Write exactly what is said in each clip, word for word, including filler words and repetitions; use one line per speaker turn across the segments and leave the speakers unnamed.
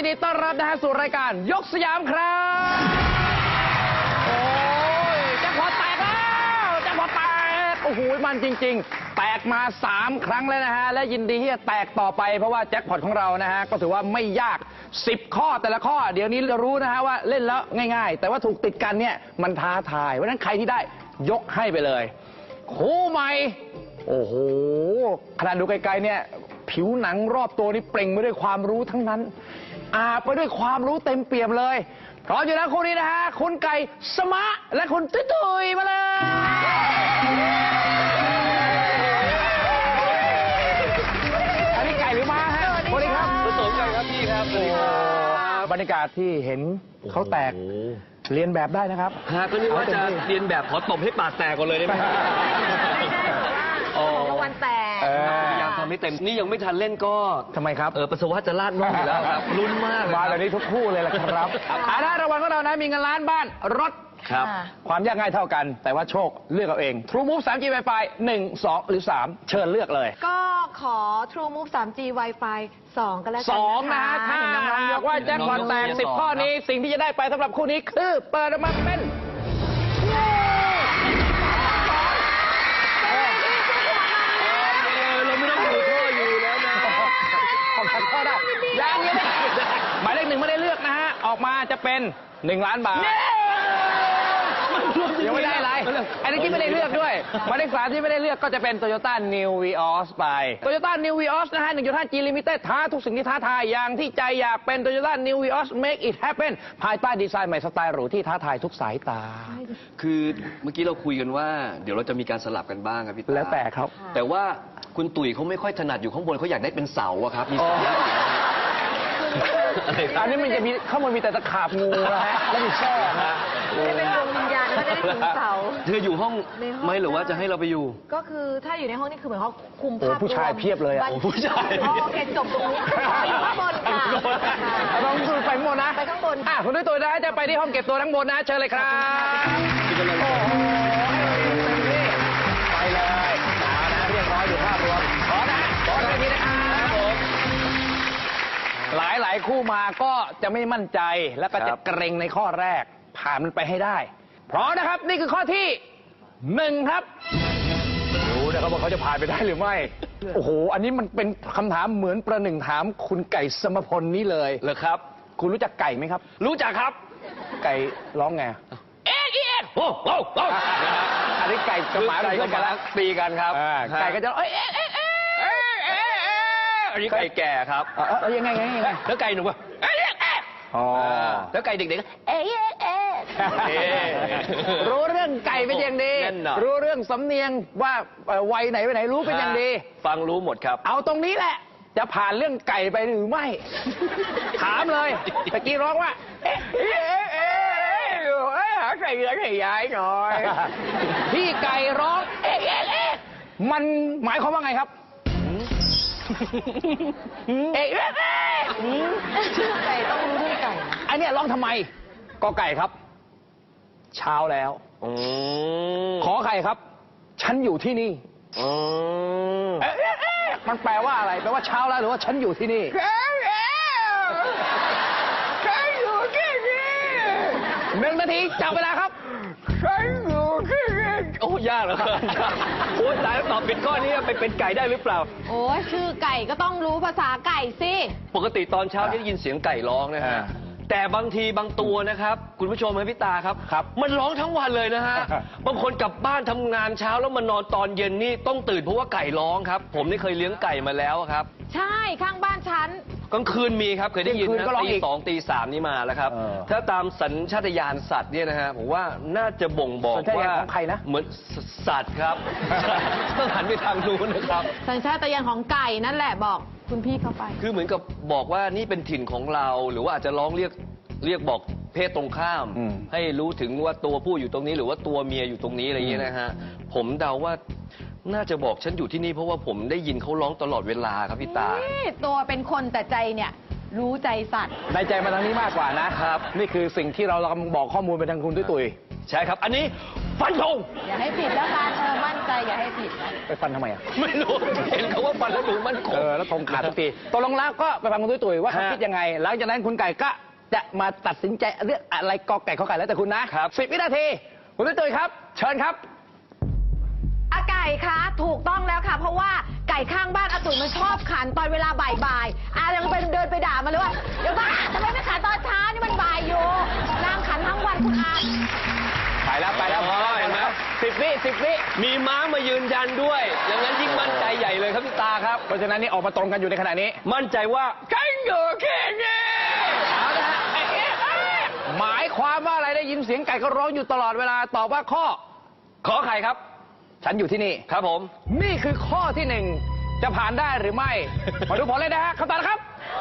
นดีต้อนรับนะฮะสู่รายการยกสยามครับโอ้ยแจ็คพอตแตกแล้วแจ็คพอตแตกโอ้โหมันจริงๆแตกมาสามครั้งแล้วนะฮะและยินดีที่จะแตกต่อไปเพราะว่าแจ็คพอตของเรานะฮะก็ถือว่าไม่ยากสิบข้อแต่ละข้อเดี๋ยวนี้รู้นะฮะว่าเล่นแล้วง่ายๆแต่ว่าถูกติดกันเนี่ยมันท้าทายเพราะฉะนั้นใครที่ได้ยกให้ไปเลยคู่ใหม่โอ้โหขนาดดูไกลๆเนี่ยผิวหนังรอบตัวนี่เปล่งไปด้วยความรู้ทั้งนั้นอาบไปด้วยความรู้เต็มเปี่ยมเลยพร้อมอยู่แล้วคู่นี้นะฮะคุณไก่สมะและคุณตุ้ยตุ้ยมาเลยอันนี้ไก่หรือม้าฮะสวัสดีครับผสมกันครับพี่ครับสวัสดีครับบรรยากาศที่เห็นเขาแตกเรียนแบบได้นะครับ
ฮะก็นึกว่าจะเรียนแบบขอตบให้ปากแตกก่อนเลยได้ไหม
ของรางวัลแตก
พยายามทำให้เต็มนี่ยังไม่ทันเล่นก็
ทำไมครับ
เออปัสสาวะจะลาดน่องอยู่แล้วครับลุ้นมาก
มาแบบนี้ทุกคู่เลยล่ะครับอาณารางวัลของเรานะมีเงินล้านบ้านรถ
ครับ
ความยากง่ายเท่ากันแต่ว่าโชคเลือกเอาเอง True Move สาม จี Wi-Fi หนึ่ง สองหรือสามเชิญเลือกเลย
ก็ขอ True Move สาม จี Wi-Fi สองก็แล้วกัน
สองนะฮะถ้าหากว่าแจ็คพอตแตกสิบข้อนี้สิ่งที่จะได้ไปสำหรับคู่นี้คือเปิดออกมาเป็นยังยังหมายเลขหนึ่งไม่ได้เลือกนะฮะออกมาจะเป็นหนึ่งล้านบาทยังไม่ได้อะไรอันนี้ที่ไม่ได้เลือกด้วยหมายเลขสามที่ไม่ได้เลือกก็จะเป็น Toyota New Vios ไป Toyota New Vios นะฮะ หนึ่งจุดห้า จี Limited ท้าทุกสิ่งที่ท้าทายอย่างที่ใจอยากเป็น Toyota New Vios Make it happen ภายใต้ดีไซน์ใหม่สไตล์หรูที่ท้าทายทุกสายตา
คือเมื่อกี้เราคุยกันว่าเดี๋ยวเราจะมีการสลับกันบ้างครับพี่ตา
แล้วแต่ครับ
แต่ว่าคุณตุ๋ยเขาไม่ค่อยถนัดอยู่ข้างบนเขาอยากได้เป็นเสาอะครับมีเสา
อันนี้มันจะมีข้างบนมีแต่ตะขาบงูนะฮะแล้วมีแช่ฮะ
จะเป็นดวงวิญญาณก็จะได้ถึงเสา
เธออยู่ห้องไหมหรือว่าจะให้เราไปอยู่
ก็คือถ้าอยู่ในห้องนี่คือเหมือนเขาคุมภาพ
ผู้ชายเพียบเลยอ่ะ
ผู้ชาย
โอเคจบตรงนี้อยู่ข้างบนค่ะ
ลองดูไปข้างบนนะ
ไปข้างบน
อ่ะคุณด้วยตัวนะจะไปที่ห้องเก็บตัวทั้งบนนะเชิญเลยครับโอ้โหไปเลยเอานะเรียบร้อยอยู่ภาพรวมขอนะขอเลยทีนะครับหลายหลายคู่มาก็จะไม่มั่นใจแล้วก็จะเกรงในข้อแรกผ่านมันไปให้ได้พร้อมนะครับนี่คือข้อที่หนึ่งครับรู้นะครับว่าเขาจะผ่านไปได้หรือไม่โอ้โหอันนี้มันเป็นคำถามเหมือนประหนึ่งถามคุณไก่สมพลนี้เลย
เหรอครับ
คุณรู้จักไก่ไหมครับ
รู้จักครับ
ไก่ร้องไง
เอ๊ะเอ๊ะโอ้โห
อันนี้ไก่กับหมา
ก็กำลังตีกันครับ
ไก่ก็จะเอ๊ะเอ๊ะเอ๊ะ
อันนี้ไก่แก่ครับ
เออยังไงไง
แล้วไก่หนุ่มวะ
อ๋อ
แล้วไก่เด็กๆเอ๊ะเอ๊ะ
รู้เรื่องไก่เป็นอย่างดีรู้เรื่องสำเนียงว่าวัยไหนไปไหนรู้เป็นอย่างดี
ฟังรู้หมดครับ
เอาตรงนี้แหละจะผ่านเรื่องไก่ไปหรือไม่ถามเลยตะกี้ร้องว่าเอ๊ะเอ๊ะเอ๊ะหาไก่เหลือไก่ย้ายหน่อยพี่ไก่ร้องเอ๊ะเอ๊ะเอ๊ะมันหมายความว่าไงครับเอ๊ะ
ชื่อไก่ต้องรู้ด้วยไก่
อันนี้ร้องทำไมกอไก่ครับเช้าแล้วขอไข่ครับฉันอยู่ที่นี่มันแปลว่าอะไรแปลว่าเช้าแล้วหรือว่าฉันอยู่ที่นี่ฉันอยู่ที่นี่หนึ่งนาทีจับเวลาครับฉันอยู่ที่นี่
โอ้ยากเหรอโอ้ยตายแล้วตอบเป็นข้อนี้ไปเป็นไก่ได้หรือเปล่า
โอ้ยชื่อไก่ก็ต้องรู้ภาษาไก่สิ
ปกติตอนเช้าจะได้ยินเสียงไก่ร้องนะฮะแต่บางทีบางตัวนะครับคุณผู้ชมครับพี่ตาครับ
ครับ
มันร้องทั้งวันเลยนะฮะบางคนกลับบ้านทำงานเช้าแล้วมานอนตอนเย็นนี่ต้องตื่นเพราะว่าไก่ร้องครับผมนี่เคยเลี้ยงไก่มาแล้วครับ
ใช่ข้างบ้านฉัน
กลางคืนมีครับเคยได้ยินนะตีสองตีสามนี่มาแล้วครับถ้าตามสัญชาตญาณสัตว์เนี่ยนะฮะผมว่าน่าจะบ่งบอกว่า
ของใครนะ
เหมือนสัตว์ครับต้องหันไปทางนู้นนะครับ
สัญชาตญาณของไก่นั่นแหละบอกคุณพี่เข้าไป
คือเหมือนกับบอกว่านี่เป็นถิ่นของเราหรือว่าอาจจะร้องเรียกเรียกบอกเพศตรงข้ามให้รู้ถึงว่าตัวผู้อยู่ตรงนี้หรือว่าตัวเมียอยู่ตรงนี้อะไรอย่างเงี้ยนะฮะผมเดาว่าน่าจะบอกฉันอยู่ที่นี่เพราะว่าผมได้ยินเขาร้องตลอดเวลาครับพี่ตา
ตัวเป็นคนแต่ใจเนี่ยรู้ใจสัตว์
ในใจมาทางนี้มากกว่านะครับนี่คือสิ่งที่เรากำลังบอกข้อมูลไปทางคุณตุ้ยตุ้ย
ใช่ครับอันนี้ฟันธง
อย่าให้ผิดแล้วกันเออมั่นใจอย่าให้ผิดนะ
ไปฟันทำไมอ่ะ
ไม่รู้เห็นเขาว่าฟันแล้วดูมันค
เอง อแล้วธงขาดทุกทีตกลงแล้วก็ไปฟังคุณตุ้ยตุ้ยว่าเขา
ฮะ
คิดยังไง หลังจากนั้นคุณไก่ก็จะมาตัดสินใจเรื่องอะไรกอไก่ข้อไก่แล้วแต่คุณนะครับ สิบวินาทีคุณตุ้ยตุ้ยครับ เชิญครับ
อาไก่คะถูกต้องแล้วค่ะ เพราะว่าไก่ข้างบ้านอาตุ๋ยมันชอบขันตอนเวลาบ่ายๆอายังไปเดินไปด่ามันเลยว่าเดี๋ยวบ้าทำไมไม่ขันตอนเช้านี่มันบ่ายอยู่นางขันทั้งวันคุณอา
ไปแล้วไปแล้ว
อ๋อเห็นไหม
สิบวิสิบวิ
มีม้ามายืนยันด้วย อย่างนั้นยิ่งมั่นใจใหญ่เลยครับพี่ตาครับ
เพราะฉะนั้นนี่ออกมาตรงกันอยู่ในขณะนี้
มั่นใจว่าแข่งเยอะแค่นี้
เอาละฮะเอ๊ะเอ๊ะเอ๊ะหมายความว่าอะไรได้ยินเสียงไก่ก็ร้องอยู่ตลอดเวลาตอบว่าข้อ
ขอไข่ครับ
ฉันอยู่ที่นี่
ครับผม
นี่คือข้อที่หนึ่งจะผ่านได้หรือไม่ มาดูผลเลยนะฮะคำตอบนะครับ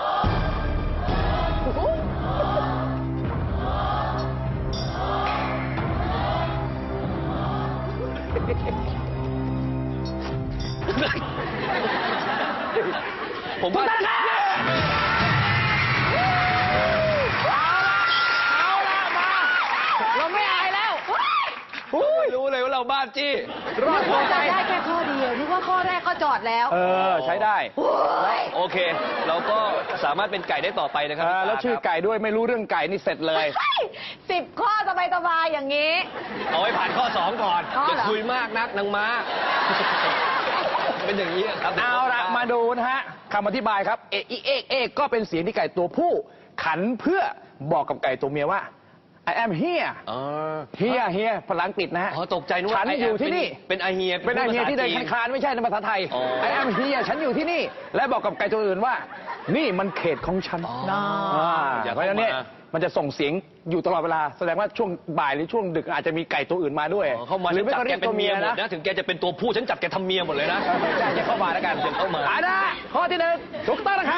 ผมว่า
ถูกต้องครับเอาละเอาละมา เราไม่อายแล้ว
ไม่รู้เลยว่าเราบ้าจี้
รอดตัวไป
ได้แค่ข้อเดียวนึกว่าข้อแรกก็จอดแล้ว
เออ ใช้ได้
โอ้ย
โอเค เราก็สามารถเป็นไก่ได้ต่อไปนะครั
เออ
พี่ตา
แล้วชื่อ
ครับ
ไก่ด้วยไม่รู้เรื่องไก่นี่เสร็จเลย
สิบข้อสบายสบายๆอย่างนี้
เอาไว้ผ่านข้อสองก่อน
อ๋อ
อย่า
เหรอ
คุยมากนักนางม้า เป็นอย่างนี้ครับ
เอาละมาดูนะฮะคำอธิบายครับ เอกอีเอกเอกก็เป็นเสียงที่ไก่ตัวผู้ ขันเพื่อบอกกับไก่ตัวเมียว่า I am here
อ๋อ
here here ภาษาอังกฤษนะฮะ
อ๋อตกใจนึกว่า
ฉันอยู่ที่นี่
เป็นไอเฮีย
เป็นไอเฮียที่เดิน
ภาษาจี
คลานๆไม่ใช่ในภาษาไทย
อ๋อ
I am here ฉันอยู่ที่นี่ และบอกกับไก่ตัวอื่นว่า นี่มันเขตของฉัน
อ๋อ
อ่า
อย่า
เพ
เข้า
ราะฉะนั้นเนี่ย
มา
มันจะส่งเสียงอยู่ตลอดเวลา แสดงว่าช่วงบ่ายหรือช่วงดึกอาจจะมีไก่ตัวอื่นมาด้วย
อ๋อเข้ามา
หรือไม่
จับ
ก็
แก
เรียก
เป็
ตั
น
ว
เมี
เมี
ย
ย
หมด
นะ
นะถึงแกจะเป็นตัวผู้ฉันจับแกทำเมียหมดเลยนะ
ใช่จะเข้ามาแล้วกัน
อย่าเข้ามา
อ่นะข้อที่หนึ่งถูกต้องนะครับ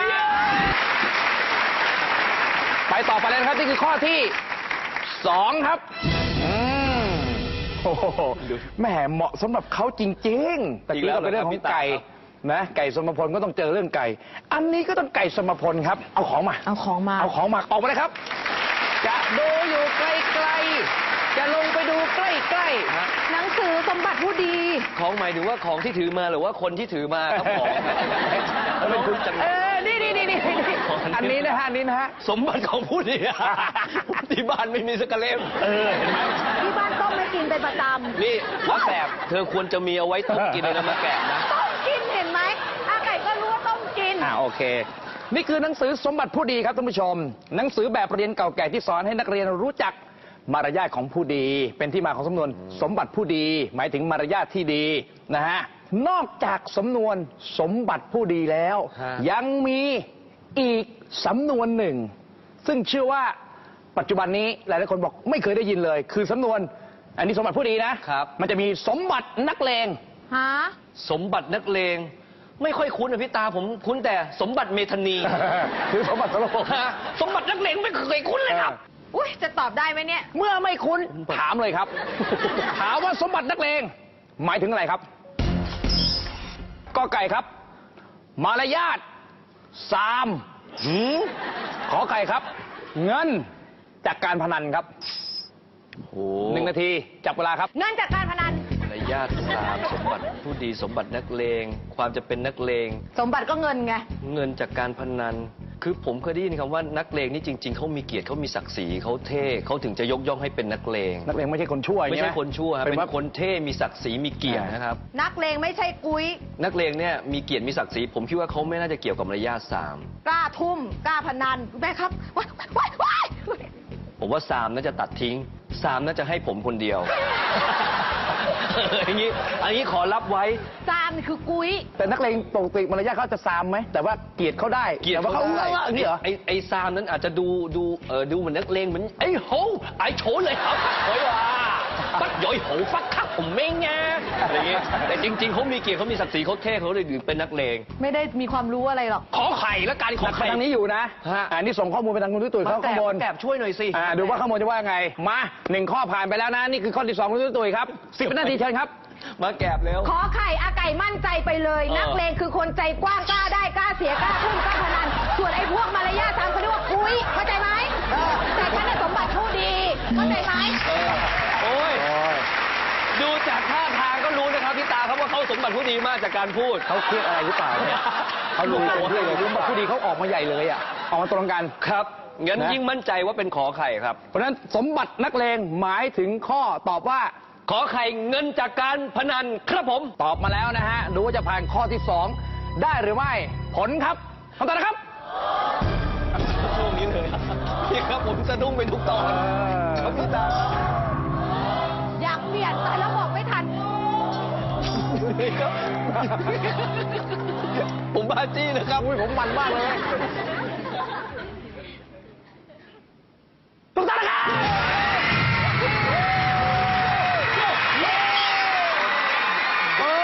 ไปต่อไปเลยนะครับนี่คือข้อที่สองครับอืมโอ้โหแหมเหมาะสำหรับเขาจริงๆแต่
อีก
กี้
แล้ว
ก็เป็นเรื่องของไก่
เหรอครับพี่ตาครับ
นะไก่สมพลก็ต้องเจอเรื่องไก่ อันนี้ก็ต้องไก่สมพลครับ เอาของมา
เอาของมา
เอาของมาออกมาเลยครับ จะดูอยู่ไกลๆจะลงไปดูใกล้ๆ
ฮะ
หนังสือสมบัติผู้ดี
ของหมายถึงว่าของที่ถือมาหรือว่าคนที่ถือมาครับของครับเป็นคุณจัง
เออนี่นี่นี่นี่อันนี้นะฮะอันนี้นะฮะ
สมบัติของผู้นี้ ที่บ้านไม่มีสักกระเล่ม
เออเห็นไหม
ที่บ้านต้มไม่กินเป็นประจำ
นี่มะแกบเธอควรจะมีเอาไว้ต้มกินเลยนะมะแกบนะ
ต้มกินเห็นไหมอาไก่ก็รู้ว่าต้มกิน
อ่าโอเค นี่คือหนังสือสมบัติผู้ดีครับท่านผู้ชม หนังสือแบบเรียนเก่าแก่ที่สอนให้นักเรียนรู้จักมารยาทของผู้ดี เป็นที่มาของสำนวนสมบัติผู้ดี หมายถึงมารยาทที่ดีนะฮะนอกจากสำนวนสมบัติผู้ดีแล้ว
ฮะ
ยังมีอีกสำนวนหนึ่ง ซึ่งเชื่อว่าปัจจุบันนี้หลายๆคนบอกไม่เคยได้ยินเลย คือสำนวน อันนี้สมบัติผู้ดีนะครับ มันจะมีสมบัตินักเลง
ฮะ
สมบัตินักเลง ไม่ค่อยคุ้นนะพี่ตาผมคุ้นแต่สมบัติเมธานี
คือสมบัติสโลก
ฮะสมบัตินักเลงไม่เคยคุ้นเลยครับ
อุ้ยจะตอบได้ไหมเนี่ย
เมื่อไม่คุ้นถามเลยครับ ถามว่าสมบัตินักเลงหมายถึงอะไรครับกอไก่ครับ มารยาทสามหืมขอไก่ครับ เงินจากการพนันครับ
โอ้
หนึ่งนาทีจับเวลาครับ
เงินจากการพนัน
มารยาทสามสมบัติผู้ดีสมบัตินักเลง ความจะเป็นนักเลง
สมบัติก็เงินไง
เงินจากการพนัน คือผมเคยได้ยินคำว่านักเลงนี่จริง ๆเขามีเกียรติเขามีศักดิ์ศรีเขาเท่เขาถึงจะยกย่องให้เป็นนักเลง
นักเลงไม่ใช่คนชั่ว
ไม่ใช่คนชั่วครับ
เป็
เป็น น
ว่า
คนเท่มีศักดิ์ศรีมีเกียรตินะครับ
นักเลงไม่ใช่กุ้ย
นักเลงเนี่ยมีเกียรติมีศักดิ์ศรีผมคิดว่าเขาไม่น่าจะเกี่ยวกับมารยาทสาม
กล้าทุ่ม กล้าพนันแม่ครับว้ายว้ายว้าย
ผมว่าสามน่าจะตัดทิ้งสามน่าจะให้ผมคนเดียว อย่างนี้อันนี้ขอรับไว้
ซามนี่คือกุ้ย
แต่นักเลงปกติมารยาทเขาจะซามไหมแต่ว่าเกลียดเขาได้
เกียรติ
แต่ว่าเขา
ได้
เอออย่างนี้เหรอ
ไอ้ไอ้ซามนั้นอาจจะดูดูเออดูเหมือนนักเลงเหมือนไอ้โหไอ้โฉเลยครับโอยว่าปัดย่อยโหฟักคักผมไม่งาอะไรอย่างเงี้ยแต่จริง ๆเขามีเกียรติเขามีศักดิ์ศรีเขาเท่เขาเลยเป็นนักเลง
ไม่ได้มีความรู้อะไรหรอก
ขอไข่แล้วกันขอ
นัก
ไข่
ทางนี้อยู่นะ
ฮะ
อ่านี่ส่งข้อมูลไปทางคุณตุ้ยตุ้ยเขา
แก
ข้างบน
แกบช่วยหน่อยสิ
อ่าดูว่าข้างบนจะว่าไง มาหนึ่งข้อผ่านไปแล้วนะ นี่คือข้อที่สองคุณตุ้ยตุ้ยครับสิบวินาทีเชิญครับ
มาแกบแล้ว
ขอไข่อาไก่มั่นใจไปเลย
เออ
นักเลงคือคนใจกว้างกล้าได้กล้าเสียกล้าทุ่มกล้าพนัน ส่วนไอ้พวกมารยาททำเขาเรียกว่ากุ้ยเข้าใจไหมเออแต่ฉันน่ะสมบัติผู้ดีเข้าใจไหม
เออโอ้ย
โอ้ย
ดูจากท่าทางก็รู้นะครับพี่ตาครับว่าเขาสมบัติผู้ดีมากจากการพูด
เขาเครียดอะไรหรือเปล่าเนี่ยเขารู้ตัวด้วยรู้ว่าผู้ดีเขาออกมาใหญ่เลยอ่ะออกมาตรงกัน
ครับงั้น
นะ
ยิ่งมั่นใจว่าเป็นขอไข่ครับ
เพราะฉะนั้นสมบัตินักเลงหมายถึงข้อตอบว่า
ขอไข่เงินจากการพนันครับผม
ตอบมาแล้วนะฮะ ดูว่าจะผ่านข้อที่สองได้หรือไม่ ผลครับคำตอบนะครับ
ช่วงนี้เลยพี่ครับผมสะดุ้งไปทุกตอนครับพี่ตา
อยากเปลี่ยนตายแล้วบอกไม่ทัน
ครับผมบ้าจี้นะครับ
อุ้ยผมมันมากเลยถูกต้องนะครับโอ้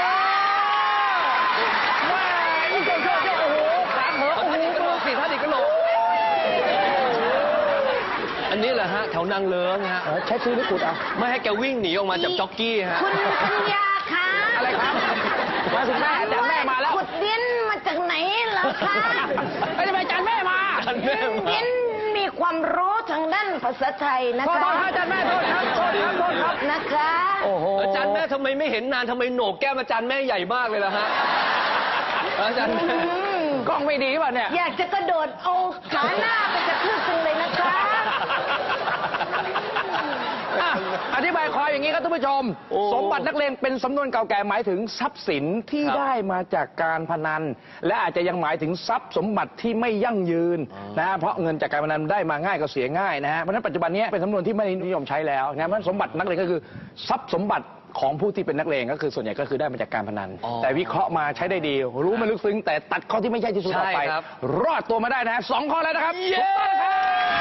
ว้าอีกเจ้าเจ้าเจ้าโอ้โหขาเหอะโอ้โหดูสิท่านอีกกระโหลก
อันนี้แหละฮะแถวนางเลิ้งฮะ
เออใช้ซื้อหรือขุดอ่ะ
ไม่ให้แกวิ่งหนีออกมาจากจ็อกกี้ฮะ
คุณปัญญาคะ
อะไรครับมาถึงแม่อาจารย์แม่มาแล้ว
ขุดดินมาจากไหนเหรอคะ
ไม่ได้ไปอาจารย์แม่มา
อาจารย์แม่มา
ดินมีความรู้ทางด้านภาษาไทยนะ
ขอ
คะ
โทษครับอาจารย์แม่โทษครับโทษครับโทษครับ
นะคะ
โอ้โห
อาจารย์แม่ทำไมไม่เห็นนานทำไมโหนกแก้มอาจารย์แม่ใหญ่มากเลยล่ะฮะอาจารย์แม่
อืม
กล้องไม่ดีป่ะเนี่ย
อยากจะกระโดดเอาขาหน้าไปกระทืบจังเลยนะคะ
อ่ะอธิบายความอย่างนี้ครับท่านผู้ชม
โอ้
สมบัตินักเลงเป็นสำนวนเก่าแก่หมายถึงทรัพย์สินที่
ครับ
ได้มาจากการพนัน และอาจจะยังหมายถึงทรัพย์สมบัติที่ไม่ยั่งยืน
อ๋อ
นะฮะเพราะเงินจากการพนันได้มาง่ายก็เสียง่ายนะฮะเพราะฉะนั้นปัจจุบันนี้เป็นสำนวนที่ไม่นิยมใช้แล้วนะเพราะฉะนั้นสมบัตินักเลงก็คือทรัพย์สมบัติของผู้ที่เป็นนักเลงก็คือส่วนใหญ่ก็คือได้มาจากการพนัน
อ๋อ
แต่วิเคราะห์มาใช้ได้ดี รู้มันลึกซึ้งแต่ตัดข้อที่ไม่ใช่ที่สุดออกไป
ใช่ครับ
รอดตัวมาได้นะฮะสองข้อแล้วนะครับถูกต้องนะครับ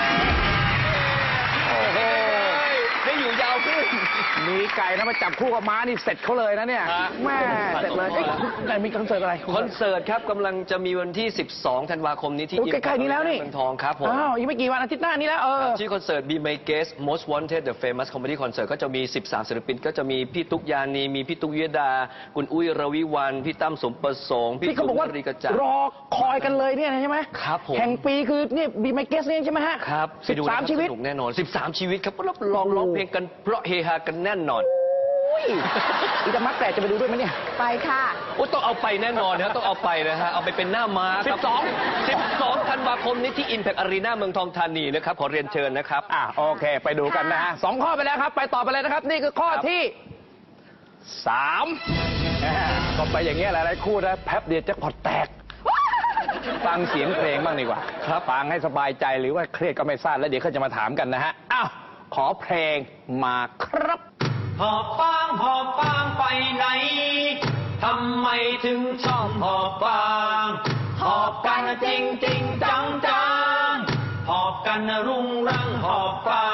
โอ้โห
ได้อยู่ยาวขึ้น
มีไก่นะมาจับคู่กับม้านี่เสร็จเขาเลยนะเนี่ย
ฮะ
แม่เสร็จเลยเอ้ยไหนมีคอนเสิร์ตอะไร
คอนเสิร์ตครับกำลังจะมีวันที่ สิบสอง ธันวาคมนี้ที่
โอ้ใกล้ๆนี้แล้วนี่
เมืองทองครับผม
อ้าวอีกไม่กี่วันอาทิตย์หน้านี้แล้วเออ
ชื่อคอนเสิร์ต Be My Guest Most Wanted The Famous Comedy Concert ก็จะมี สิบสาม ศิลปิน ก็จะมีพี่ตุ๊กยานี มีพี่ตุ๊กวิยดา คุณอุ้ยรวิวัน พี่ตั้มสมประสงค์ พี่
ที่เขาบอกว่า
สุนทรีกระจ่าง
รอคอยกันเลยเนี่ยนะใช่ไหม
ครับผม
แห่งปีคือนี่บีไมเกสเนี่ยใช่ไหมฮะ
ครับ
สิบสาม
ไปดูนะครับ
ชีวิต
สนุกแน่นอน สิบสาม ชีวิตครับรับรองร้องเพลงกันเพราะเฮฮากันแน่นอน
อุ้ยอีตามักแปดจะไปดูด้วยไหมเนี่ย
ไปค่ะ
โอ้ต้องเอาไปแน่นอนนะต้องเอาไปนะฮะเอาไปเป็นหน้าม้าครับ
สิบสอง
สิบสอง ธันวาคมนี้ที่ Impact Arena เมืองทองธานีนะครับขอเรียนเชิญนะครับ
อ่ะโอเค ไปดูกันนะฮะสองข้อไปแล้วครับ ไปต่อไปเลยนะครับ นี่คือข้อ
ครับ
ที่สามแหม่ก็ไปอย่างเงี้ยหลายๆคู่นะแป๊บเดียวแจ็คพอตแตก ฟังเสียงเพลงบ้างดีกว่า ครับฟังให้สบายใจหรือว่าเครียดก็ไม่ทราบแล้วเดี๋ยวเขาจะมาถามกันนะฮะ อ้าว ขอเพลงมาครับ
หอบฟางหอบฟางไปไหน ทำไมถึงชอบหอบฟาง หอบกันจริงจริงจังจังหอบกันรุงรังหอบฟาง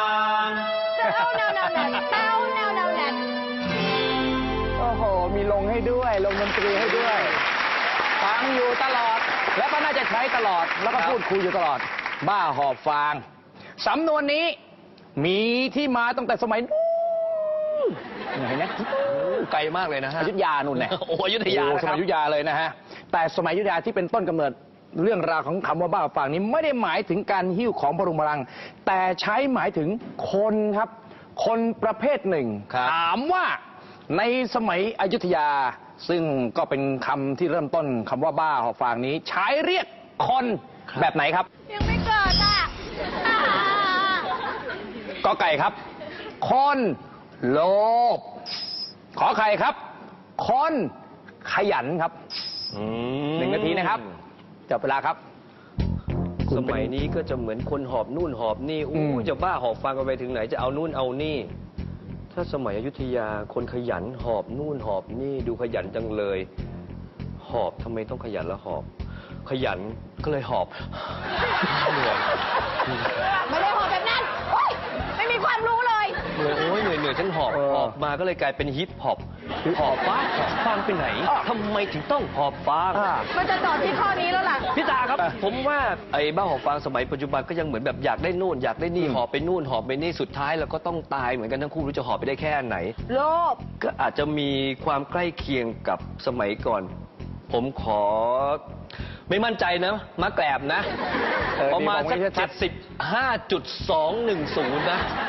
เต้าแนวแนวแนวเต้าแนวแนวแนว
โอ้โห มีลงให้ด้วย ลงดนตรีให้ด้วย ฟังอยู่ตลอด แล้วก็น่าจะใช้ตลอด แล้วก็
ครับ
พูดคุยอยู่ตลอด บ้าหอบฟาง สำนวนนี้ มีที่มาตั้งแต่สมัยนู้นเห็นไหม
ไกลมากเลยนะฮะ
อยุธยานู่นแหละ
โอ้อยุธยา
โอ้
นะ
ส
ครั
มั
บ
ยอยุธยาเลยนะฮะ แต่สมัยอยุธยาที่เป็นต้นกำเนิดเรื่องราวของคำว่าบ้าฟางนี้ไม่ได้หมายถึงการหิ้วของพรุงพลัง แต่ใช้หมายถึงคนครับ คนประเภทหนึ่ง
ครับ
ถามว่าในสมัยอยุธยา ซึ่งก็เป็นคำที่เริ่มต้นคำว่าบ้าหอบฟางนี้ ใช้เรียกคนแบบไหนครับ
ยังไม่เกิดอ่ะอ่า
กอไก่ครับ คนโลภขอไข่ครับ คนขยันครับ
อื
หนึ่งนาทีนะครับจับเวลาครับ
สมัยนี้ก็จะเหมือนคนหอบนู่นหอบนี่
อื
อู้
ม
จะบ้าหอบฟังกันไปถึงไหนจะเอานู่นเอานี่ ถ้าสมัยอยุธยาคนขยันหอบนู่นหอบนี่ดูขยันจังเลย หอบทำไมต้องขยันแล้วหอบ ขยันก็เลยหอบเหนื่อย
ไม่ได้หอบแบบนั้นโอ๊ยไม่มีความรู้เลย
เหนื่อยโอ้ยเหนื่อยเหนื่อยฉันหอบ
เออ
หอบมาก็เลยกลายเป็นฮิปฮอปหอบฟ้าหอบฟางไปไหน
อ่ะ
ทำไมถึงต้องหอบฟาง
อ่า
มันจะตอบที่ข้อนี้แล้วล่ะ
พี่ตาครับ
อ่ะ
ผมว่าไอ้บ้าหอบฟางสมัยปัจจุบันก็ยังเหมือนแบบอยากได้นู่นอยากได้นี่
อืม
หอบไปนู่นหอบไปนี่สุดท้ายเราก็ต้องตายเหมือนกันทั้งคู่ไม่รู้จะหอบไปได้แค่ไหน
โลภ
ก็อาจจะมีความใกล้เคียงกับสมัยก่อน ผมขอ ไม่มั่นใจนะมาแกลบนะ
เออ
ประมาณสัก
ดีบอกไว้ชั
เจ็
ด
ดสิบห้าจุดสองหนึ่งศูนย์นะ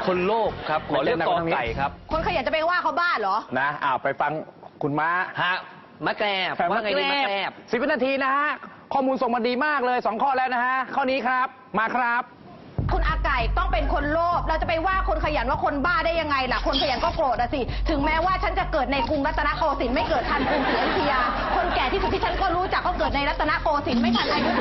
คนโลภครับขอเลือกกอไก่ครับ
คนขยันจะไปว่าเขาบ้าเหรอ
นะอ้าวไปฟังคุณม้า
ฮะมะแกรบว่าไงดีมะแกรบ
สิบวินาทีนะฮะ ข้อมูลส่งมาดีมากเลยสองข้อแล้วนะฮะ ข้อนี้ครับ มาครับ
คุณอาไก่ต้องเป็นคนโลภเราจะไปว่าคนขยันว่าคนบ้าได้ยังไงล่ะ คนขยันก็โกรธอะสิ ถึงแม้ว่าฉันจะเกิดในกรุงรัตนโกสินทร์ไม่เกิดทันกรุงศรีอยุธยา คนแก่ที่สุดที่ฉันก็รู้จักก็เกิดในรัตนโกสินทร์ไม่ทันอายุ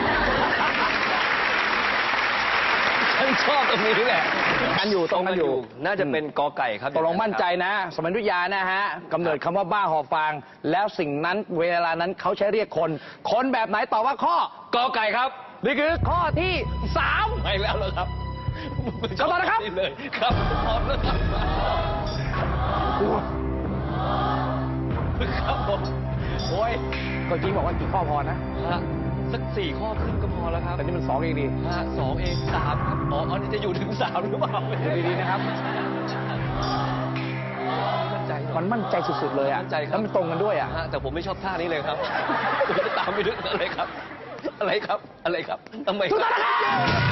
ฉันชอบตรงนี้แหละ
กันอยู่ตรงกันอยู่
น่าจะเป็นกอไก่ครับ
ตกลงมั่นใจนะ สมัยวิทยานะฮะกำเนิดคำว่าบ้าหอบฟาง แล้วสิ่งนั้นเวลานั้นเขาใช้เรียกคน คนแบบไหนตอบว่าข้อก
อไก่ครับ
นี่คือข้อที่สาม
ไม่แล้วเหรอครับ
ขอโทษนะครับ
เลยครับพร้อมแล้วครับครับผมโอ้ย
ก็จริงบอกว่ากี่ข้อพอนะ
ฮะสักสี่ข้อครึ่งก็พอแล้วครับ
แต่นี่มันสองเองดี
ฮะสองเองสามครับอ๋ออันนี้จะอยู่ถึงสามหรือเปล่า
ดูดีๆนะครับ
มั่นใจ
มันมั่นใจสุดๆเลยอ่ะ
มั่นใจครับ
แล้วมันตรงกันด้วยอ่ะ
ฮะแต่ผมไม่ชอบท่านี้เลยครับผมจะตามไปดึกอะไรครับ อะไรครับ อะไรครับทำไม
ถูกต้องนะครับ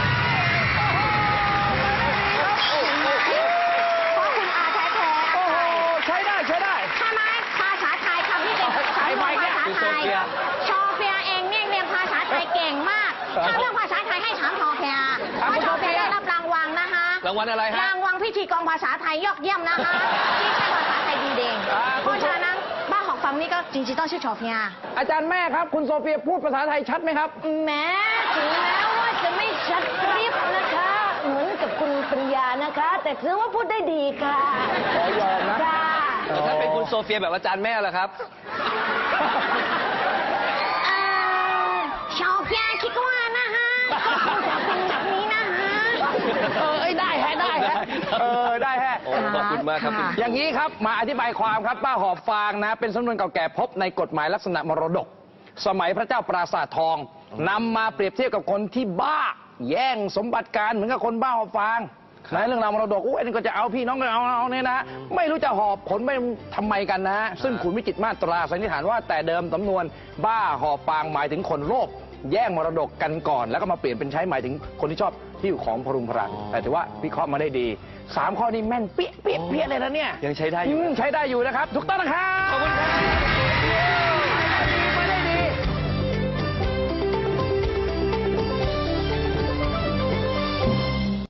เพราะคุณอาแท้แท้
โอ้โหใช้ได้ใช้ได้
ใช่ไหมภาษาไทยคำที่เป็นสำนวนภาษาไทยชอเฟียเองเนี่ยเรียนภาษาไทยเก่งมาก ถ้าเรื่องภาษาไทยให้ถามชอเฟียเพราะชอเฟียได้รับรางวัลนะคะ
รางวัลอะไรฮะ
รางวัลพิธีกรภาษาไทยยอดเยี่ยมนะคะที่ใช้ภาษาไทยดีเด่น
อ่า
เพราะฉะนั้นบ้าหอกฟังนี่ก็จริงๆต้องชื่อชอเฟีย
อาจารย์แม่ครับ คุณโซเฟียพูดภาษาไทยชัดไหมครับ
แม้ถึงแม้ว่าจะไม่ชัดกริบนะคะ เหมือนกับคุณปัญญานะคะ แต่ถือว่าพูดได้ดีค่ะ
ขอยอมนะ
ค่ะ
แต่ถ้าเป็นคุณโซเฟียแบบอาจารย์แม่ล่ะครับ
เอ่อชอเฟียคิดว่านะฮะก็คงจะเป็นแบบนี้นะฮะ
เออเอ้ยได้แฮะได้แฮะเออได้แฮะ
โอ้ขอบคุณมากครับคุณ
อย่างนี้ครับมาอธิบายความครับป้าหอบฟางนะ เป็นสำนวนเก่าแก่พบในกฎหมายลักษณะมรดก สมัยพระเจ้าปราสาททองนำมาเปรียบเทียบกับคนที่บ้า แย่งสมบัติการเหมือนกับคนบ้าหอบฟางนะเรื่องราวมรดกอุ้ยนี่ก็จะเอาพี่น้องก็เอาเอาเนี่ยนะไม่รู้จะหอบผลไปทำไมกันนะฮะซึ่งขุนวิจิตรมาตราสันนิษฐานว่าแต่เดิมสำนวนบ้าหอบฟางหมายถึงคนโลภแย่งมรดกกันก่อน แล้วก็มาเปลี่ยนเป็นใช้หมายถึงคนที่ชอบที่อยู่ของพรุงพรังแต่ถือว่าวิเคราะห์มาได้ดีสามข้อนี้แม่นเปี้ยเปี้ยเปี้ยเลยนะเนี่ย
ยังใช้ได้อยู่
มใช้ได้อยู่นะครับถูกต้องนะครับ
ขอบคุณครับ